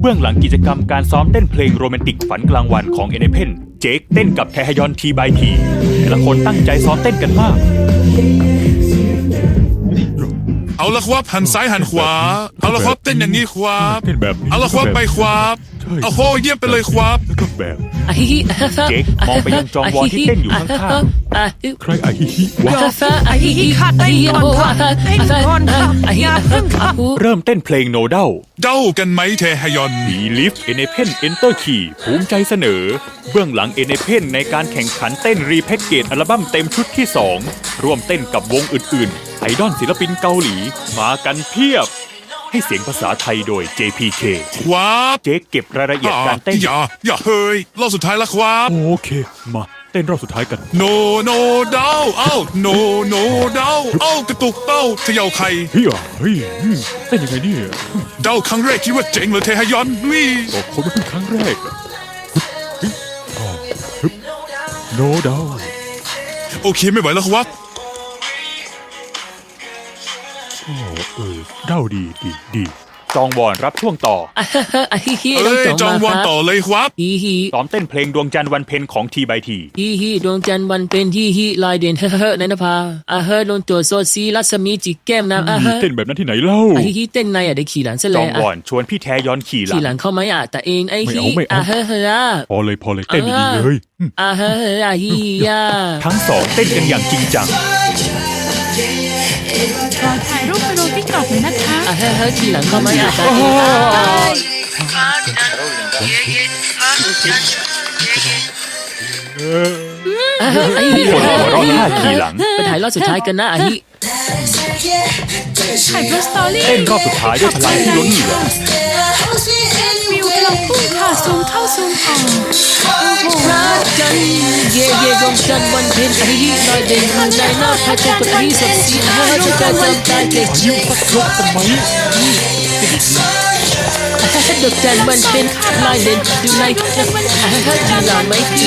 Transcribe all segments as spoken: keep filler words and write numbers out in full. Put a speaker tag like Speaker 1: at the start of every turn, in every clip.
Speaker 1: เบื้องหลังกิจกรรมการซ้อมเต้นเพลงโรแมนติกฝันกลางวันของเอเนเพนเจคเต้นกับแทฮยอนทีบายทีแต่ละคนตั้งใจซ้อมเต้นกันมาก
Speaker 2: เอาละครับหันซ้ายหันขวาเอาละครับเต้นอย่างนี้ครับ
Speaker 1: เต้นแบบนี้
Speaker 2: เอาละครับไปครับเอาโหเยี่ยมไปเลยครับ
Speaker 1: แล้วก็แบบเจคมองไปยังจองวอนที่เต้นอยู่ข้างๆใครไอฮิฮิวะ
Speaker 3: ไอ้ฮีขาดเต้นก่อนค่ะเต้นก่อนค่ะอย่าเพิ่งค่ะ
Speaker 1: เริ่มเต้นเพลงโนเดล
Speaker 2: เด้ากันไหมเทฮยอน
Speaker 1: บีลิฟเอเนเพนเอนเตอร์คีภูมิใจเสนอเบื้องหลังเอเนเพนในการแข่งขันเต้นรีแพ็กเกจอัลบั้มเต็มชุดที่สองร่วมเต้นกับวงอื่นๆไอดอลศิลปินเกาหลีมากันเพียบให้เสียงภาษาไทยโดย เจ พี เค
Speaker 2: ครับ
Speaker 1: เจคเก็บรายละเอียดการเต้น
Speaker 2: อย่าอย่าเฮ้ยรอบสุดท้ายแล้วครับ
Speaker 1: โอเคมาเต้นรอบสุดท้ายกัน
Speaker 2: โนโนเด้าเอ้าโนโนเด้าเอ้ากระตุกเต้าเขย่าไข่
Speaker 1: เฮ้ยเฮ้ยเต้นยังไงเนี่ย
Speaker 2: เด้าครั้งแรกคิดว่าเจ๋งเลยเทฮยอนนี่
Speaker 1: ก็คนไม่เพิ่งครั้งแรกอะฮึบฮึบโนดาว
Speaker 2: โอเคไม่ไหวแล้วครับ
Speaker 1: โอ้เออเด้าดีดีดีจองวอนรับช่วงต่อ
Speaker 3: ไอ้ฮี
Speaker 2: เอ้ยจองวันต่อเลยครับ
Speaker 3: ฮีฮี
Speaker 1: ซ้อมเต้นเพลงดวงจันทร์วันเพ็ญของทีบายที
Speaker 3: ฮีฮีดวงจันทร์วันเป็นฮีฮีลายเด่นเฮ้อเฮ้อในนภาอาเฮ้อลงตัวโซซีรัศมีจิกแก้มน้ำอาเฮ้อ
Speaker 1: เต้นแบบนั้นที่ไหนเล่า
Speaker 3: ไอ้ฮีเต้นในอ่ะได้ขี่หลังซะ
Speaker 1: จ
Speaker 3: แล้
Speaker 1: อง
Speaker 3: ว
Speaker 1: วอนชวนพี่แทยอนขี่หลั
Speaker 3: ขี่
Speaker 1: ง
Speaker 3: หลังเข้าไหมอ่ะแต่เองไอ้
Speaker 1: ไม่
Speaker 3: ฮี
Speaker 1: เอาไม่เอา
Speaker 3: อาเฮ้อเฮ้อ
Speaker 1: พอเลยพอเลยเต้นดีๆเลยอืม
Speaker 3: อาเฮ้อเฮ้อฮียา
Speaker 1: ทั้งสองเต้นกันอย่างจริงจัง
Speaker 4: ขอถ่ายรูปไปลงติ๊กต็อกเลยนะคะ
Speaker 3: อาเฮ้อเฮ้อขี่หลังเข้าไหมอ่ะแต่เองอาเฮ้อไอ้ฮี
Speaker 1: คนหัวเราะท่าขี่หลัง
Speaker 3: ไปถ่ายรอบสุดท้ายกันนะไอ้ฮี
Speaker 4: ถ่ายโพสตอรี่
Speaker 1: เต้นรอบสุดท้ายด้วยพลังที่ล้นเหลือ
Speaker 4: วิวกำลังพุ่งค่ะซูมเข้าซูมออก
Speaker 3: รักกันเย่เย่ดวงจันทร์วันเพ็ญไอ้ฮีลอยเด่นในหน้าพระจันทร์กับไอ้ฮีสดสีเฮ้อจะการจำใจเด็ก
Speaker 1: ยิ้มสักยกทำไม
Speaker 3: ดวงจันทร์วันเป็นลายเด่นอยู่ในจีหลาไม่พี่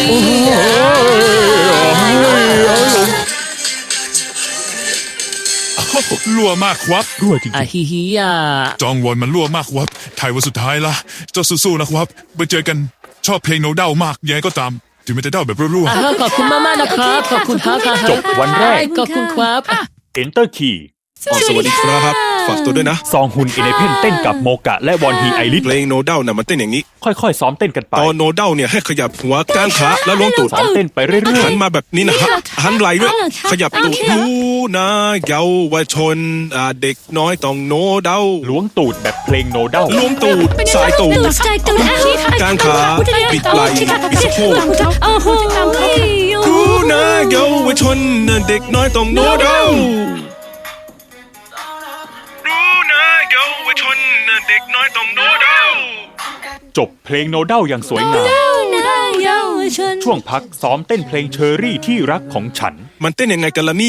Speaker 2: รั่วมากครับ
Speaker 1: รั่วจริง
Speaker 3: อาฮิฮิยา
Speaker 2: จองวอนมันรั่วมากครับถ่ายวันสุดท้ายละเจ้าสู้ๆนะครับไปเจอกันชอบเพลงโนเด้ามากยังไงก็ตามถึงมันจะเด้าแบบรั่ว
Speaker 3: อ่าขอบคุณมากมากนะครับขอบคุณครับ
Speaker 1: ๆจบวันแรก
Speaker 3: ขอบคุณครับ
Speaker 1: Enter Key
Speaker 5: อ๋อสวัสดีครับฝากตัวด้วยนะ
Speaker 1: ซองฮุนเอเนเพนเต้นกับโมกะและวอนฮีไอริส
Speaker 5: เพลงโนเด้าน่ะมันเต้นอย่างนี้
Speaker 1: ค่อยๆซ้อมเต้นกันไป
Speaker 5: ตอนโนเด้าเนี่ยให้ขยับหัวก้างขาแล้วล้วงตูด
Speaker 1: ซ้อมเต้นไปเรื่อย
Speaker 5: หันมาแบบนี้นะฮะหันไหลด้วยขยับตูดรู้นะเยาวชนอ่าเด็กน้อยต้องโนเด้า
Speaker 1: ๆล้วงตูดแบบเพลงโนเดล
Speaker 5: ล้วงตูดสายตูดกางขาปิดไหล่ปิดสะโพก
Speaker 4: โอ้โห
Speaker 5: รู้นะเยาวชนเด็กน้อยต้องโนเด้ารู้นะเยาวชนเด็กน้อยต้องโนเด้า
Speaker 1: จบเพลงโนเดลอย่างสวยงาม ช่วงพักซ้อมเต้นเพลงเชอรี่ที่รักของฉัน
Speaker 5: มันเต้นยังไงกันล่ะเนี่ย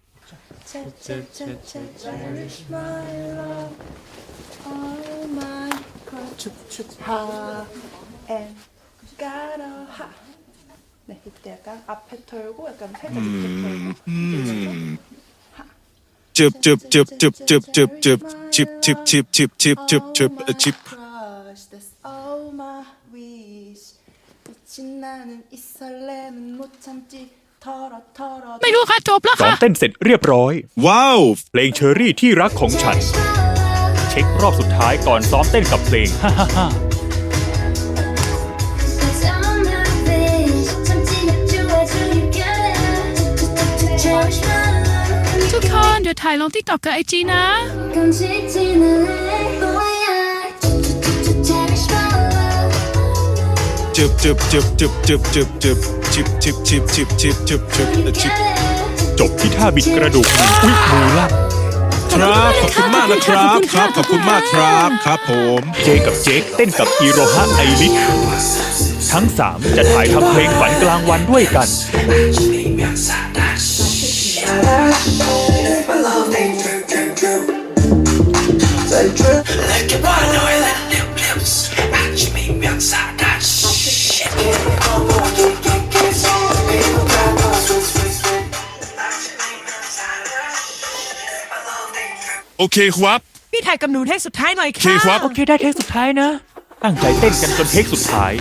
Speaker 6: 네, 이때 약간 앞에 털고 약간 살짝 밑에 털고
Speaker 5: จึบจึบจึบจึบจึบจึบจึบชิบชิบชิบชิบชิบชิบชิบชิบ
Speaker 6: Crush, that's all my wish 미친 나는 이 설렘은 못 참지 털어 털어
Speaker 4: ไม่รู้ค่ะจบแล้ว
Speaker 1: ซ้อม
Speaker 4: ค่ะ
Speaker 1: เต้นเสร็จเรียบร้อย
Speaker 5: ว้าว
Speaker 1: เพลงเชอรี่ที่รักของฉัน เช็ครอบสุดท้ายก่อนซ้อมเต้นกับเพลงฮ่าฮ่าฮ่า
Speaker 4: ทุกคนเดี๋ยวถ่ายลงติ๊กต็อกกับไอจีนะ
Speaker 5: จึบจึบจึบจึบจึบจึบจึบชิบชิบชิบชิบชิบชิบชิบชิบ
Speaker 1: จบที่ท่าบิดกระดูกมืออุ๊ยมือลั่น
Speaker 5: ครับขอบคุณมากนะครับครับขอบคุณมากครับครับผม
Speaker 1: เจกับเจคเต้นกับอีโรฮะไอริสทั้งสามจะถ่ายทำเพลงฝันกลางวันด้วยกัน
Speaker 2: โอเคครับ
Speaker 7: พี่ถ่ายกับหนูเทคสุดท้ายหน่อย
Speaker 2: โอเค
Speaker 7: ค่ะ
Speaker 2: ครับ
Speaker 3: โอเคได้เทคสุดท้ายนะ
Speaker 1: ตั้งใจเต้นกันจนเทคสุดท้าย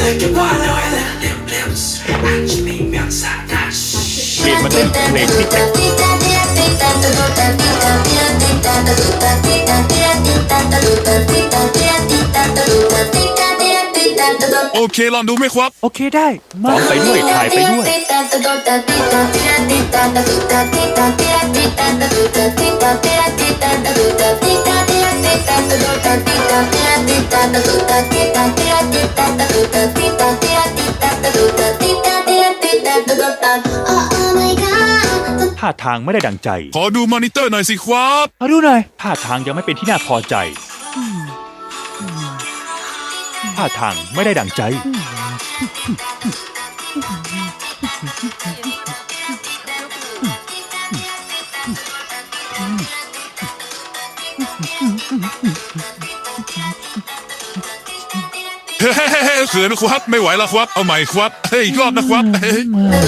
Speaker 1: เปลี่ยนมาเต้นเพลงที่แต่ง
Speaker 2: โอเคลองดูไหมครับ
Speaker 1: โอเคได้ซ้อมไปด้วยถ่ายไปด้วย ท่าทางไม่ได้ดังใจ
Speaker 2: ขอดูมอนิเตอร์หน่อยสิครับ
Speaker 1: มาดูหน่อยท่าทางยังไม่เป็นที่น่าพอใจท่าทางไม่ได้ดังใจ
Speaker 2: เฮ้ยเขินครับไม่ไหวแล้วครับเอาใหม่ครับเฮ้ยอีกรอบนะครับเฮ้ย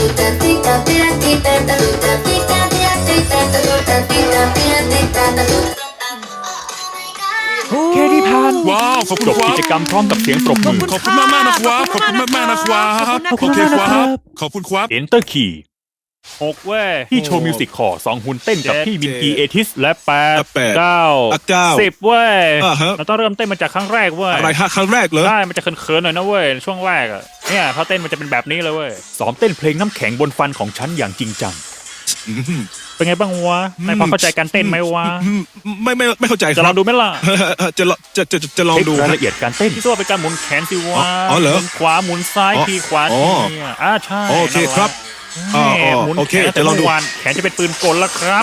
Speaker 1: แค่ที่ผ่าน
Speaker 2: ว้าวขอบคุณ
Speaker 1: จบ
Speaker 2: ครั
Speaker 1: กิ
Speaker 2: บ
Speaker 1: จกรรมพร้อมกับเสียงปรบมือ
Speaker 2: ขอบคุณมากมากๆนะครับขอบคุณมากมากๆนะครับ
Speaker 1: ขอบคุณ
Speaker 2: โอเค
Speaker 1: มาก
Speaker 2: ค
Speaker 1: นะครั
Speaker 2: รับ บขอบคุณครับ
Speaker 1: Enter Key
Speaker 7: หกเว้ย
Speaker 1: ที่โชว์มิวสิกคอร์สองหุ่นเต้นกับพี่มินกีเอทิส
Speaker 7: และแปด
Speaker 5: และแปด
Speaker 7: เก้า
Speaker 5: อ่ะเก้า
Speaker 7: สิบเว้ย
Speaker 5: อ่าฮะ
Speaker 7: เราต้องเริ่มเต้นมาจากครั้งแรกเว้ย
Speaker 5: อะไรฮะครั้งแรกเหรอ
Speaker 7: ได้มันจะเขินๆหน่อยนะเว้ยช่วงแรกอะเนี่ยพอเต้นมันจะเป็นแบบนี้เลยเว้ย
Speaker 1: ซ้อมเต้นเพลงน้ำแข็งบนฟันของฉันอย่างจริงจัง
Speaker 7: เป็นไงบ้างวะนายพอเข้าใจการเต้นไหมวะ
Speaker 5: อืมไม่ไม่ไม่เข้าใจค
Speaker 7: จะล
Speaker 5: รั
Speaker 7: อบ งดูไหมล่ะ
Speaker 5: จะลองจะจะจะจะลอง
Speaker 1: เช็ค
Speaker 5: ดู
Speaker 1: ราย
Speaker 5: ฮะ
Speaker 1: ละเอียดการเต้น
Speaker 7: ที่ตัวเป็นการหมุนแขนสิวะ
Speaker 5: อ๋อเหรอ
Speaker 7: หมุนขวาหมุนซ้าย
Speaker 5: อ๋อ
Speaker 7: ทีขวา
Speaker 5: อ๋
Speaker 7: ที
Speaker 5: อ
Speaker 7: เนี่ยอ่าใช่
Speaker 5: โอเคครับ
Speaker 7: นั่
Speaker 5: อ๋อน
Speaker 7: แหละ
Speaker 5: อ๋อ
Speaker 7: หมุน
Speaker 5: โอเค
Speaker 7: แขน
Speaker 5: จะลองดู
Speaker 7: แต่เมื่อวานแขนจะเป็นปืนกลแล้วครับ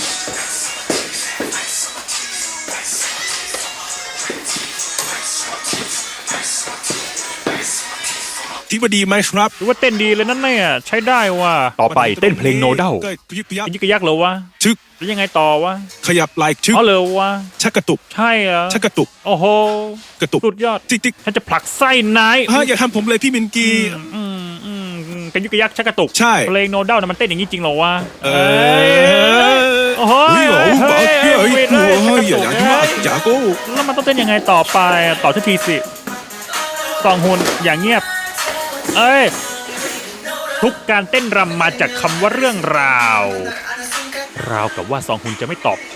Speaker 5: คิดว่าดีไหมครับ
Speaker 7: หรือว่าเต้นดีเลยนั่นเนี่ยใช้ได้ว่ะ
Speaker 1: ต่อไปเต้นเพลงโนเดล
Speaker 5: ก็ยึกยัก
Speaker 7: ยิกกระยักเหรอวะ
Speaker 5: ชึก
Speaker 7: แล้วยังไงต่อวะ
Speaker 5: ขยับไหล่ชึก
Speaker 7: อ๋อเลยววะ
Speaker 5: ชักกระตุก
Speaker 7: ใช่เหรอ
Speaker 5: ชักกระตุก
Speaker 7: โอ้โห
Speaker 5: กระตุก
Speaker 7: สุดยอด
Speaker 5: ติ๊กติ๊ก
Speaker 7: ฉันจะผลักไส้นาย
Speaker 5: ฮะอย่าทำผมเลยพี่มินกี
Speaker 7: อืมอืมอืมเป็นยุกยักชักกระตุก
Speaker 5: ใช่
Speaker 7: เพลงโนเดลนะมันเต้นอย่างนี้จริงเหรอวะ
Speaker 5: เออ
Speaker 7: โอ้โห
Speaker 5: เฮ้ยโอ้โห
Speaker 7: เฮ้ย
Speaker 5: เฮ้ย
Speaker 7: เฮ้ย
Speaker 5: เฮ้ย
Speaker 7: เฮ้ย
Speaker 5: เฮ้ยอย่าอย่าอย่าอย่าโก้
Speaker 7: แล้วมันต้องเต้นยังไงต่อไปต่อทันทีสิสองหุ่นอย่างเงียบ เอ้ยทุกการเต้นรำมาจากคำว่าเรื่องราว ราวกับว่าสองหุ่นจะไม่ตอบผม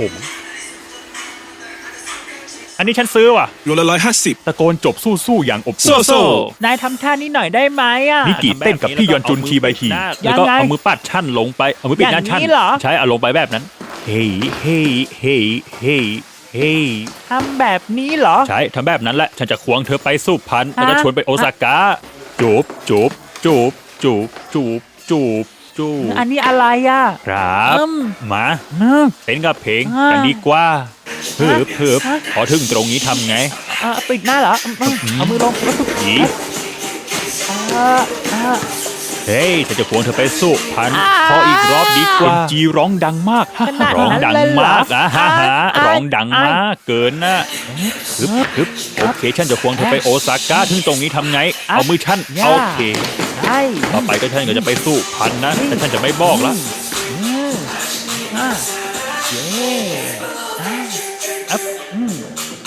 Speaker 7: อันนี้ฉันซื้อว่ะ
Speaker 5: โลละร้อยห้าสิบ
Speaker 1: ตะโกนจบสู้ๆอย่างอบ
Speaker 5: โซ่
Speaker 1: อุ่น
Speaker 5: โซ่
Speaker 7: นายทำท่านี้หน่อยได้ไหมอ่ะ
Speaker 1: นิกิเต้นกับพี่ยอนจุนทีบายที
Speaker 7: ยั
Speaker 1: แล้ว
Speaker 7: ง
Speaker 1: ก็
Speaker 7: ไง
Speaker 1: เอามือปัดชั่นลงไปเอามือปิดหน้าชั่น
Speaker 7: อย่างนี้เหรอ
Speaker 1: ใช้เอาลงไปแบบนั้น เฮ้ยเฮ้ยเฮ้ยเฮ้ยเฮ้ย
Speaker 7: ทำแบบนี้เหรอ
Speaker 1: ใช่ทำแบบนั้นแหละฉันจะควงเธอไปสุพรรณแล้วก็
Speaker 7: ฮะ
Speaker 1: ชวนไปโอซาก้าจูบจูบจูบจูบจูบจูบจูบ
Speaker 7: อันนี้อะไรอ่ะ
Speaker 1: ครับ
Speaker 7: อืม
Speaker 1: มาเต้นกับเพลง
Speaker 7: อ่า
Speaker 1: กันดีกว่าเพิบเพิบ
Speaker 7: ฮะ
Speaker 1: พอถึงตรงนี้ทำไง
Speaker 7: เอ่อปิดหน้าเหรออืมอืมเอามือลง
Speaker 1: หนี
Speaker 7: อ่าอ่า
Speaker 1: เฮ้ยฉันจะควงเธอไปสุพรรณ
Speaker 7: อ่า
Speaker 1: ขออีกรอบดีกว่าจีร้องดังมาก
Speaker 7: ขนาด
Speaker 1: ร้อง
Speaker 7: นั้น
Speaker 1: ดัง
Speaker 7: เลยเหรอ
Speaker 1: มากอ่ะฮะฮะ
Speaker 7: อ่า
Speaker 1: ร้องดัง
Speaker 7: อ่าม
Speaker 1: มากเกินนะฮึบฮึบโอเคฉันจะควงเธอไปโอซาก้าถึงตรงนี้ทำไง เอามือฉัน
Speaker 7: ย่า
Speaker 1: โอเค
Speaker 7: ใช่
Speaker 1: ต่อไปก็ฉันก็จะไปสู้พันนะแต่ฉันจะไม่บอกละ
Speaker 7: อ่าเย้อ่าอัพอืม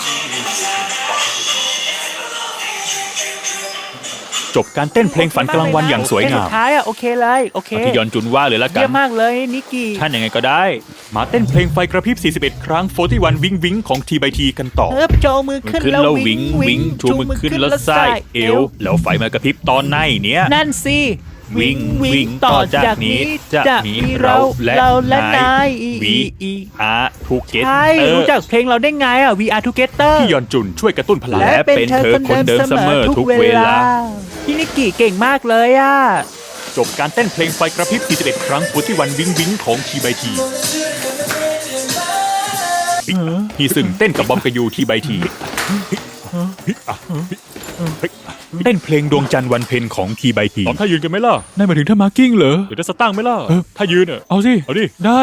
Speaker 1: จบการเต้นเพลงฝันกลางวันอย่างสวยงาม
Speaker 7: สุดท้ายอ่ะโอเคเลยโอเค
Speaker 1: เอาที่ยอนจุนว่าเลยละกั
Speaker 7: เยี่
Speaker 1: น
Speaker 7: ยมมากเลยนิกกี้
Speaker 1: ท่านยังไงก็ได้ มาเต้นเพลงไฟกระพริบสี่สิบเอ็ดครั้งโฟร์ตี้วันวิงวิงของทีบายทีกันต่อ
Speaker 7: เอิบโจมือ
Speaker 1: มือ
Speaker 7: ขึ้น
Speaker 1: ขึ้น
Speaker 7: แล้ว
Speaker 1: แล้ว
Speaker 7: วิ
Speaker 1: วิ
Speaker 7: ง
Speaker 1: งวิงชูมือขึ้นแล้วไส้เอว แล้วไฟมากระพริบตอนไหนเนี้ย
Speaker 7: นั่นสิ
Speaker 1: วิ่งวิ่งต่อจากนี้จะมีเราและ
Speaker 7: เราและนาน
Speaker 1: าย
Speaker 7: ย
Speaker 1: วีอาร์ทูเกต
Speaker 7: ใช่
Speaker 1: เตอ
Speaker 7: รู้
Speaker 1: ร์
Speaker 7: จักเพลงเราได้ไงอ่ะ We Are Together
Speaker 1: พี่ยอนจุนช่วยกระตุ้นพลัง
Speaker 7: และ
Speaker 1: และเป็นเธอคนเดิมเสมอทุกเวลา
Speaker 7: พี่นิกกี้เก่งมากเลยอ่ะ
Speaker 1: จบการเต้นเพลงไฟกระพริบสี่สิบเอ็ดครั้งโฟร์ตี้วันวิงวิงของทีบายทีฮีซึ่งเต้นกับบอมกบยูทีบายทีเต้นเพลงดวงจันทร์วันเพ็ญของทีบายที
Speaker 7: ตอบถ้ายืนกันไหมล่ะ
Speaker 1: นั่นหมายถึงถ้ามาร์กิ้งเหรอ
Speaker 7: หรือจะสตั้งไหมล่ะ
Speaker 1: เออ
Speaker 7: ถ้ายืนอ่ะ
Speaker 1: เอาสิ
Speaker 7: เอาดิ
Speaker 1: ได้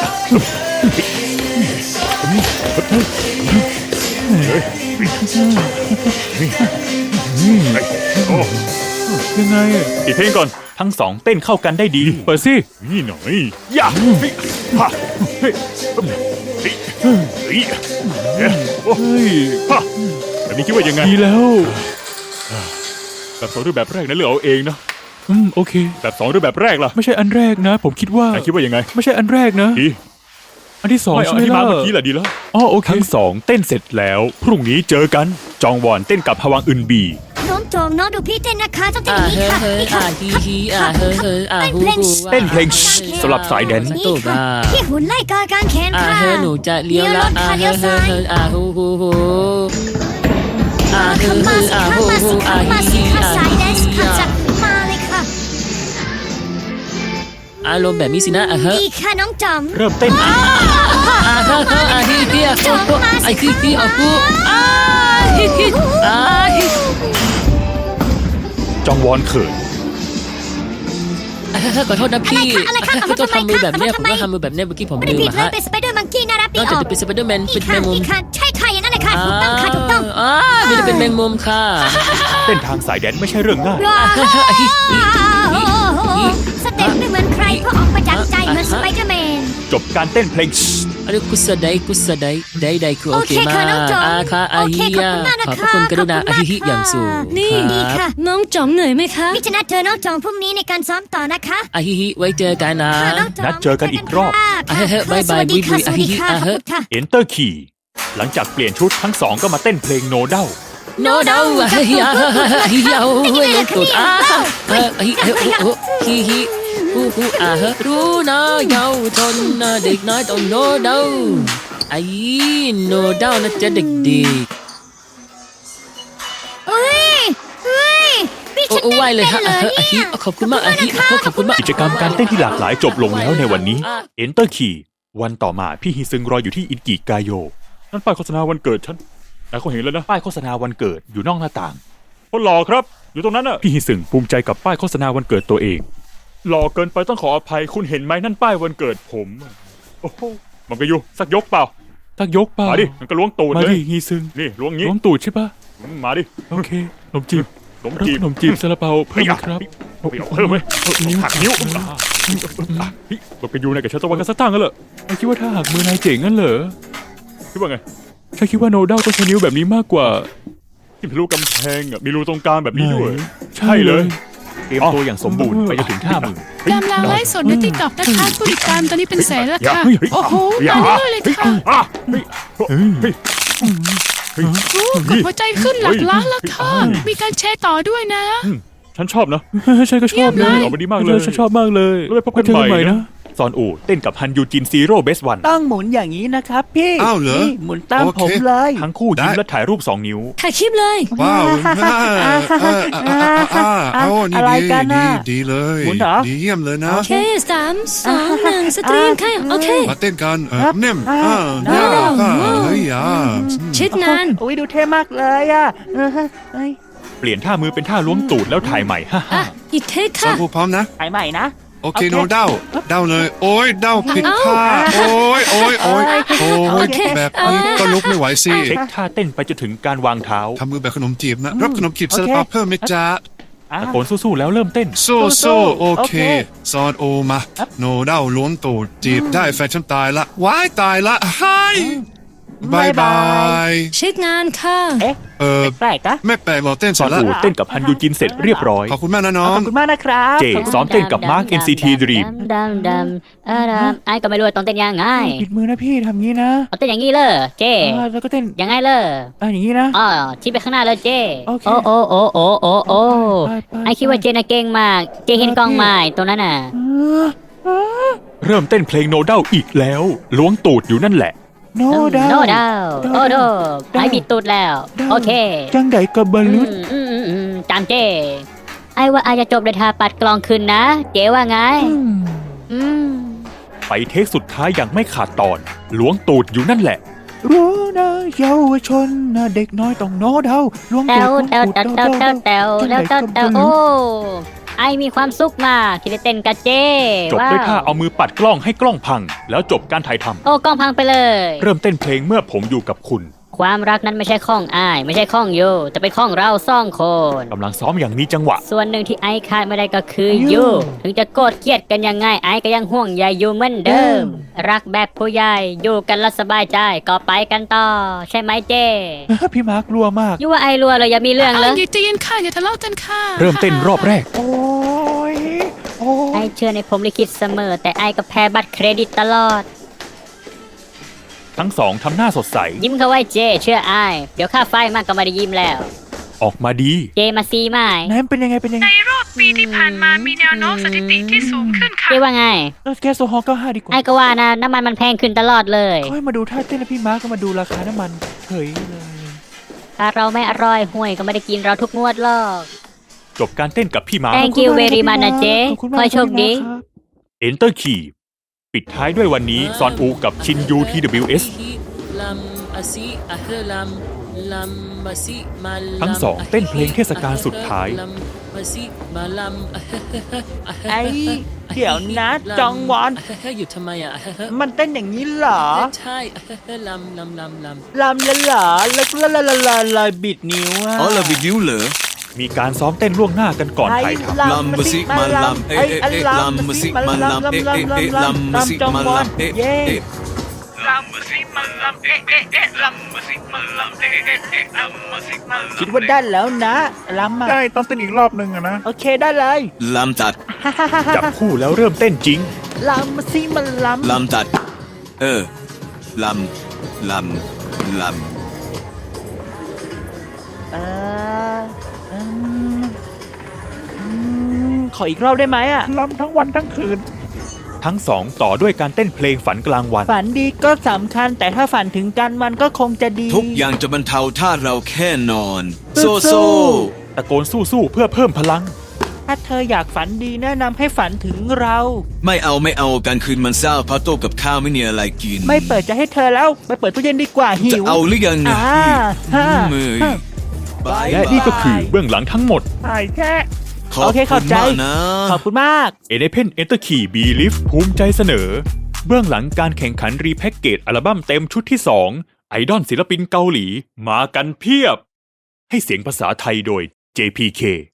Speaker 1: ยังไงอะ
Speaker 7: ปิดเพลงก่อน
Speaker 1: ทั้งสองเต้นเข้ากันได้ดี เปิดสิ
Speaker 7: นี่หน่อย
Speaker 1: ย่าเฮ้ยฮะเฮ้ยเฮ้ยเฮ้ย
Speaker 7: โอ้ยฮะแบบนี้คิดว่ายังไง
Speaker 1: ดีแล้วแบบสองรูปแบบแรกนั้นเลือกเอาเองนะ
Speaker 7: อืมโอเค
Speaker 1: แบบสองรูปแบบแรกล่ะ
Speaker 7: ไม่ใช่อันแรกนะ ผมคิดว่า
Speaker 1: นายคิดว่ายังไง
Speaker 7: ไม่ใช่อันแรกนะ
Speaker 1: ดี
Speaker 7: อันที่สอง
Speaker 1: ไม่
Speaker 7: ใช่
Speaker 1: เอา
Speaker 7: ไหม
Speaker 1: ที่มา
Speaker 7: ล่ะ
Speaker 1: เมื่อกี้แหละดีแล้ว
Speaker 7: อ๋อโอเค
Speaker 1: ทั้งสองเต้นเสร็จแล้ว พรุ่งนี้เจอกัน จองวอนเต้นกับฮวังอึนบี
Speaker 4: น้องโจมน้องดูพี่เต้นนะคะต้องเต้น
Speaker 3: อ่า
Speaker 4: อย่างนี้
Speaker 3: เฮ้
Speaker 4: ค่ะ
Speaker 3: เฮ้
Speaker 4: นี่
Speaker 3: อ่า
Speaker 4: ค่ะ
Speaker 3: ฮีฮีอ่าเฮ้เฮ้อ่าฮูฮู
Speaker 1: เต้นเพลงสำหรับสายแดนซ์
Speaker 3: นี่
Speaker 4: นี่
Speaker 3: ค่ะ
Speaker 4: ค่ะพี่หุ่นไล่กากางแขน
Speaker 3: อ่า
Speaker 4: ค่ะ
Speaker 3: เฮ้หนูจะเลี้ยวละอ่า
Speaker 4: เลี้
Speaker 3: เฮ้
Speaker 4: ยวรถ
Speaker 3: เฮ้
Speaker 4: ค่ะเลี้ยวซ้าย
Speaker 3: เฮ้อ่าฮูฮูฮูอ่าเฮ้
Speaker 4: เข้า
Speaker 3: เฮ้
Speaker 4: มาสิ
Speaker 3: อ่า
Speaker 4: เข้า
Speaker 3: ฮู
Speaker 4: มา
Speaker 3: ฮู
Speaker 4: สิ
Speaker 3: อ่า
Speaker 4: เข้ามาสิค่ะสาย
Speaker 3: ฮีฮี
Speaker 4: แดนซ์ค่ะ
Speaker 3: อ่า
Speaker 4: จัดมาเลยค่ะ
Speaker 3: อารมณ์แบบนี้สินะอ่าเฮ้
Speaker 4: ดีค่ะน้องจอม
Speaker 1: เริ่มเต้น
Speaker 3: อ่าเฮ้เฮ้อ่าฮีฮีอ่าฮูฮูไอ้ฮีฮีอ่าฮูอ่าฮีฮีอ่าฮี
Speaker 1: จองวอนเขิน
Speaker 3: อ่าเฮ้ขอโทษนะพี่
Speaker 4: อะไรคะอะไรคะ
Speaker 3: ต้องทำมือแบบเนี้ย
Speaker 4: ทำ
Speaker 3: ผ
Speaker 4: ไม
Speaker 3: มก็ทำมือแบบเนี้ยเมื่อกี้ผม
Speaker 4: ไม่
Speaker 3: ลื
Speaker 4: ได้
Speaker 3: ม
Speaker 4: ผิด
Speaker 3: อะ
Speaker 4: เลย
Speaker 3: ฮะ
Speaker 4: เป็นสไปเดอร์มังกี้น่ารัก
Speaker 3: น
Speaker 4: ดี
Speaker 3: อก
Speaker 4: อ
Speaker 3: จาก
Speaker 4: อก
Speaker 3: จะเป็นสไปเดอร์แมน
Speaker 4: นี่
Speaker 3: เป็น
Speaker 4: ค่ะ
Speaker 3: แมงมุม
Speaker 4: นี่ค่ะใช่ค่ะอย่างนั้นเลยค่ะถูกต้องค่ะถูกต้อง
Speaker 3: อ่าไม่ได้เป็นแมงมุมค่ะ
Speaker 1: เต้นทางสายแดนซ์ไม่ใช่เรื่องง่าย
Speaker 4: ว้าวสเต็ปไม่เหมือนใครเพราะออกมาจากใจเหมือนสไปเดอร์แมน
Speaker 1: จบการเต้นเพลง
Speaker 3: อันนี้กุศลใดกุศลใดใดใดคือโอเค
Speaker 4: โอเค
Speaker 3: มา
Speaker 4: ค่ะน้องจอม
Speaker 3: กอาค่ะอา
Speaker 4: โอเค
Speaker 3: ฮิ
Speaker 4: ขอบ
Speaker 3: ยา
Speaker 4: คุณมากนะ
Speaker 3: ขอบพ
Speaker 4: คะ
Speaker 3: ระคุณกรุณา
Speaker 4: ขอบคุณมาก
Speaker 3: อาฮิฮิอย่างสูง
Speaker 4: นี่ดีค่ะ
Speaker 8: น้องจอมเหนื่อยไหมคะ
Speaker 4: พี่จะนัดเธอน้องจองพรุ่งนี้ในการซ้อมต่อนะคะ
Speaker 3: อาฮิฮิไว้เจอกันนะ
Speaker 4: ค่ะน้องจอง
Speaker 1: นัดเจอกันอีกรอบ
Speaker 3: อ่ะเฮ้ยเฮ้ยบ๊ายบาย
Speaker 4: สวัสดีค่ะ
Speaker 3: บุยบุย
Speaker 4: สวัสดีค่ะ
Speaker 3: อ่ะ
Speaker 4: ขอบ
Speaker 3: เฮ้ย
Speaker 4: คุณค่ะ
Speaker 1: Enter Key หลังจากเปลี่ยนชุดทั้งสองก็มาเต้นเพลงโนเดา
Speaker 3: โนเดาอาฮิยาอาฮิยาโอ้ยลงตุดอ่ะเฮ้ยอาฮิเฮ้ยโอ้ฮิฮิฮูฮูอ่ะเฮ้ยรู้นะเยาวชนนะเด็กน้อยต้องโนเดาอาฮิโนเดานะจ๊ะเด็ก
Speaker 4: เฮ้ยเฮ้ยพี่
Speaker 3: ๆโอ้
Speaker 4: ฉัน
Speaker 3: โอ้ไหวเลยฮะ
Speaker 4: เต้น
Speaker 3: อ่ะ
Speaker 4: เป็น
Speaker 3: เฮ้ยอาฮิ
Speaker 4: เนี่ย
Speaker 3: ขอบคุณมากอาฮิขอบคุณมาก
Speaker 1: กิจกรรมการเต้นที่หลากหลายจบลงแล้วในวันนี้ Enter Key วันต่อมาพี่ฮิซึงรออยู่ที่อินกิกาโย นั่นป้ายโฆษณาวันเกิดฉันนายเขาเห็นแล้วนะ ป้ายโฆษณาวันเกิดอยู่นอกหน้าต่างคนหล่อครับ อยู่ตรงนั้นน่ะ พี่ฮิซึงภูมิใจกับป้ายโฆษณาวันเกิดตัวเอง หล่อเกินไปต้องขออภัยคุณเห็นไหมนั่นป้ายวันเกิดผม โอ้โหมันก็อยู่สักยกเปล่า
Speaker 7: ตักยกเปล่า
Speaker 1: มาดิมันก็ล้วงตูด
Speaker 7: มา
Speaker 1: เล
Speaker 7: ดิ
Speaker 1: ย
Speaker 7: ฮีซึง
Speaker 1: นี่ล้วงงี้
Speaker 7: ล้วงตูดใช่ปะ
Speaker 1: อืมมาดิ
Speaker 7: โอเคขนมจีบ
Speaker 1: ขนมจีบ
Speaker 7: ขนมจีบซาลาเปาเพิ่มไหมครับ
Speaker 1: เฮ้ยเอาเพิ่มไหมหักนิ้วอ่าเฮ้ยมันก็อยู่ในกับฉันตะวันกันสักตั้งกันเหรอ
Speaker 7: ไม่คิดว่าถ้าหักมือนายเจ๋งงั้นเหรอ
Speaker 1: คิดว่าไง
Speaker 7: ฉันคิดว่าโนด้าต้องใช้นิ้วแบบนี้มากกว่า
Speaker 1: ที่ทะลุกำแพงอ่ะมีรูตรงกลางแบบนี้ด้วย
Speaker 7: ไหน
Speaker 1: ใช่เลย เตรียมตัวอย่างสมบูรณ์ไปจนถึงท่ามือ
Speaker 8: กำลังไลฟ์สดในติ๊กต็อกนะคะผู้ติดตามตอนนี้เป็นแสนแล้วค่ะ
Speaker 1: เฮ้ยเฮ้ย
Speaker 8: โอ้โห
Speaker 1: อย่า
Speaker 8: ตายเลยเลยค่ะ
Speaker 1: อ่ะเฮ้ยเฮ้ยเฮ้ยเฮ้ย
Speaker 8: โอ้กดหัวใจขึ้นหลักล้านแล้วค่ะ มีการแชร์ต่อด้วยนะ
Speaker 1: ฉันชอบนะ
Speaker 7: ฉันก็ชอบเลย
Speaker 1: ออกมาดีมากเลย
Speaker 7: ฉันชอบมากเลย
Speaker 1: แล้วไปพบกัน
Speaker 7: ไว้เจอกัน
Speaker 1: ให
Speaker 7: ให
Speaker 1: ม่
Speaker 7: ม่
Speaker 1: นะ
Speaker 7: นะ
Speaker 1: ซอนอูเต้นกับฮันยูจินซีโร่เบสวัน
Speaker 9: ต้องหมุนอย่างนี้นะครับพี่
Speaker 5: อ้าวเหรอ
Speaker 9: นี่หมุนตาม
Speaker 5: โอเค
Speaker 9: ผมเลย
Speaker 1: ทั้งคู่ยิ้ม
Speaker 5: ได้
Speaker 1: และถ่ายรูปสองนิ้ว
Speaker 8: ถ่ายคลิปเลย
Speaker 5: ว้าวอ่าอ่าอ่าอ่าอ่าเอานี่
Speaker 9: อะไร
Speaker 5: ดี
Speaker 9: กัน
Speaker 5: ดี
Speaker 9: น่ะ
Speaker 5: ดีเลย
Speaker 9: หมุนเหรอ
Speaker 5: ดีเยี่ยมเลยนะ
Speaker 8: โอเคสามสองหนึ่งสตรีมค่ะโอเค
Speaker 5: มาเต้นกันเออ
Speaker 9: ครับ
Speaker 5: เน่ม
Speaker 9: อ่า
Speaker 5: อ่า
Speaker 9: ได้
Speaker 5: เนี่ยอ่าเฮ้ยอ่า
Speaker 8: เช็ดงาน
Speaker 9: อุ้ยดูเท่มากเลยอ่ะเออเฮ้ย
Speaker 1: เปลี่ยนท่ามือเป็นท่าล้วงตูดแล้วถ่ายใหม่ฮ่า
Speaker 8: อ่ะ
Speaker 1: ฮ่า
Speaker 8: อีกเทค
Speaker 5: สอ
Speaker 8: ค่ะ
Speaker 5: งผู้พร้อมนะ
Speaker 9: ถ่ายใหม่นะ
Speaker 5: โอเค
Speaker 9: โอเค
Speaker 5: โนเด้าเด้าเลย โอ้ยเด้าผิดท่าโอ้ยโอ้ยโอ้ยโอ้
Speaker 8: โอย เค
Speaker 5: แบบนี้ก็ลุกไม่ไหวสิ
Speaker 1: เช็คท่าเต้นไปจนถึงการวางเท้า
Speaker 5: ทำมือแบบขนมจีบนะ รับขนมจีบซาลาเปาเพิ่มไหมจ๊ะ
Speaker 9: อ่ะ
Speaker 1: ตะโกนสู้ๆแล้วเริ่มเต้น
Speaker 5: โซ่โซ่โอเค
Speaker 9: โอเค
Speaker 5: ซอนโอมา โนเด้าล้วงตูดจีบได้แฟนฉันตายละว้ายตายละไฮบายบาย
Speaker 8: เช็คงานค่ะ
Speaker 9: เอ๊ะ
Speaker 5: เออ
Speaker 9: แปลกๆนะ
Speaker 5: ไม่แปลกหรอกเต้น
Speaker 1: ซ
Speaker 5: เสร็
Speaker 1: อ
Speaker 5: จ
Speaker 1: น
Speaker 5: แล้ว
Speaker 1: อูเต้นกับฮันยูจินเสร็จเรียบร้อย
Speaker 5: ขอบคุณมากนะน้
Speaker 9: ข
Speaker 5: อ
Speaker 9: อง บคุณมากนะครับ
Speaker 1: เจซ้อมเต้นกับมาร์ค เอ็น ซี ที Dream
Speaker 10: ดำดำเออดำไอ้ก็ไม่รู้ว่าต้องเต้นยังไง
Speaker 9: ปิดมือนะพี่ทำงี้นะ
Speaker 10: เอาเต้นอย่างนี้เลยเจ
Speaker 9: อ่าแล้วก็เต้น
Speaker 10: ยังไงเลย
Speaker 9: อ่าอย่างนี้นะ
Speaker 10: อ๋อชี้ไปข้างหน้าเลยเจ
Speaker 9: โอเค
Speaker 10: โอ้โอ้โอ้โอ้โอ้โอ้
Speaker 9: ไปไป
Speaker 10: ไอ้คิดว่าเจน่ะเก่งมาก เจเห็นกล้องไม้ตรงนั้นน่ะ
Speaker 9: เออเออ
Speaker 1: เริ่มเต้นเพลงโนเด้าอีกแล้วล้วงตูดอยู่นั่นแหละ
Speaker 9: โนดาว
Speaker 10: โนดาวโอ้โดไอ้บิดตูดแล้ว โอเค
Speaker 9: จังไดกับบอล
Speaker 10: อื
Speaker 9: ลูน
Speaker 10: มอืมอืมอืมตามเจ ไอ้ว่าอาจจะจบด้วยท่าปัดกลองคืนนะ เจว่าไง อืม
Speaker 1: ไปเทคสุดท้ายอย่างไม่ขาดตอนล้วงตูดอยู่นั่นแหละ
Speaker 9: รู้นะเยาวชนนะเด็กน้อยต้องโนดาวล้วง
Speaker 10: แต
Speaker 9: ตู
Speaker 10: ว
Speaker 9: ด
Speaker 10: แตวแตวแตวแตวแตวแล้วแตวแตวโอ้ ไอมีความสุขมากที่ได้เต้นกับเจ
Speaker 1: จบ
Speaker 10: ว้าว
Speaker 1: ด้วยท่าเอามือปัดกล้องให้กล้องพัง แล้วจบการถ่ายทำ
Speaker 10: โอ้กล้องพังไปเลย
Speaker 1: เริ่มเต้นเพลงเมื่อผมอยู่กับคุณ
Speaker 10: ความรักนั้นไม่ใช่ข้องอ้าย ไม่ใช่ข้องโยแต่เป็นข้องเราสองคน
Speaker 1: กำลังซ้อมอย่างมีจังหวะ
Speaker 10: ส่วนหนึ่งที่ไอ้ขาดไม่ได้ก็คือยูถึงจะโกรธเกลียดกันยังไงไอ้ก็ยังห่วงใยยูเหมือนเดิม รักแบบผู้ใหญ่อยู่กันแล้วสบายใจก็ไปกันต่อ ใช่ไหมเจ
Speaker 9: พี่มาร์ครัวมาก
Speaker 10: ยูว่าไอ้รัวเลยอย่ามีเรื่อง
Speaker 8: เอา
Speaker 10: เลย
Speaker 8: อย่าใจเย็นค่ะอย่าทะเลาะกันค่ะ
Speaker 1: เริ่มเต้นรอบแรก
Speaker 9: โอ้ยโอ้
Speaker 10: ไอ้
Speaker 9: ย
Speaker 10: เชื่อในผมลิขิตเสมอ แต่ไอ้ก็แพ้บัตรเครดิตตลอด
Speaker 1: ทั้งสองทำหน้าสดใส
Speaker 10: ยิ้มเข้าไว้เจ เชื่อไอ้เดี๋ยวค่าไฟมากก็ไม่ได้ยิ้มแล้ว
Speaker 1: ออกมาดี
Speaker 10: เจมาซีไหม
Speaker 9: ไหนมันเป็นยังไงเป็นยังไง
Speaker 8: ในรอบปีที่ผ่านมามีแนวโน้มสถิติที่สูงขึ้นค่ะ
Speaker 10: เจว่าไง
Speaker 9: เออแก๊สโซฮอล์เก้าห้าดีกว่า
Speaker 10: ไอ้ก็ว่านะน้ำมันมันแพงขึ้นตลอดเลย
Speaker 9: ค่อยมาดูท่าเต้นแล้วพี่มาร์คก็มาดูราคาน้ำมันเฉยเลย
Speaker 10: ถ้าเราไม่อร่อยห่วยก็ไม่ได้กินเราทุกงวดหรอก
Speaker 1: จบการเต้นกับพี่มาร์ค
Speaker 10: Thank you very much นะเจ๊
Speaker 9: ขอบคุณมาก
Speaker 10: ขอให้โชคดี
Speaker 9: รับ
Speaker 1: Enter Key ปิดท้ายด้วยวันนี้ซอนอูกับชินยู ที ดับเบิลยู เอส
Speaker 3: ลัมอาซิอะเฮลัมลัมมาซิมาลัม
Speaker 1: ทั้งสองเต้นเพลงเทศกาลสุดท้าย
Speaker 3: ลัมมาซิมาลัมอะเฮเฮเฮอะเฮเฮ
Speaker 9: ไอ้เดี๋ยวนะจองวอน
Speaker 3: อะเฮเฮอยู่ทำไมอ่ะอะเฮเฮ
Speaker 9: มันเต้นอย่างนี้เหรอ
Speaker 3: ใช่อะเฮเฮลัมลัมลัมลัม
Speaker 9: ลำละเหรอแล้วก็ละละละละบิดนิ้วอะ
Speaker 5: อ๋อเราบิดนิ้วเหรอ
Speaker 1: มีการซ้อมเต้นล่วงหน้ากันก่อนถ่ายทำ
Speaker 5: ลำมาสิมาลำเอ๊ะเอ๊ะเอ๊ะลำมาสิมาลำเอ๊ะเอ๊ะเอ๊ะลำมาสิมาลำเอ๊ะเอ๊ะ
Speaker 9: คิดว่าได้แล้วนะลำอ่ะ
Speaker 7: ใช่ต้องเต้นอีกรอบหนึ่งอะนะ
Speaker 9: โอเคได้เลย
Speaker 5: ลำตัด
Speaker 1: จับคู่แล้วเริ่มเต้นจริง
Speaker 9: ลำมาสิมันลำ
Speaker 5: ลำตัด เออ ลำ ลำ ลำ
Speaker 9: เอออืมอืมขออีกรอบได้ไหมอ่ะ
Speaker 7: ลำทั้งวันทั้งคืน
Speaker 1: ทั้งสองต่อด้วยการเต้นเพลงฝันกลางวัน
Speaker 9: ฝันดีก็สำคัญแต่ถ้าฝันถึงกันมันก็คงจะดี
Speaker 5: ทุกอย่างจะบรรเทาถ้าเราแค่นอน โซ
Speaker 9: สู้
Speaker 5: โซ
Speaker 1: ตะโกนสู้ๆเพื่อเพิ่มพลัง
Speaker 9: ถ้าเธออยากฝันดีแนะนำให้ฝันถึงเรา
Speaker 5: ไม่เอาไม่เอาการคืนมันเศร้าเพราะโต๊ะกับข้าวไม่มีอะไรกิน
Speaker 9: ไม่เปิดจะให้เธอแล้ว ไปเปิดตู้เย็นดีกว่าหิ
Speaker 5: จะ
Speaker 9: ว
Speaker 5: เอาหรือยังนะ
Speaker 9: อ่าฮ่า
Speaker 5: มือ
Speaker 9: ฮ่า
Speaker 5: บาย
Speaker 1: และนี่ก็คือเบื้องหลังทั้งหมด
Speaker 7: ใช่แค่
Speaker 5: ขอบ
Speaker 9: โอเค
Speaker 5: คุ
Speaker 9: เข้า
Speaker 5: ณ
Speaker 9: ใจ
Speaker 5: มากนะ
Speaker 9: ขอบคุณมาก
Speaker 1: เอเนเพนเอนเตอร์คีบีลิฟภูมิใจเสนอ เบื้องหลังการแข่งขันรีแพ็กเกจอัลบั้มเต็มชุดที่สองไอดอลศิลปินเกาหลี มากันเพียบ ให้เสียงภาษาไทยโดย เจ พี เค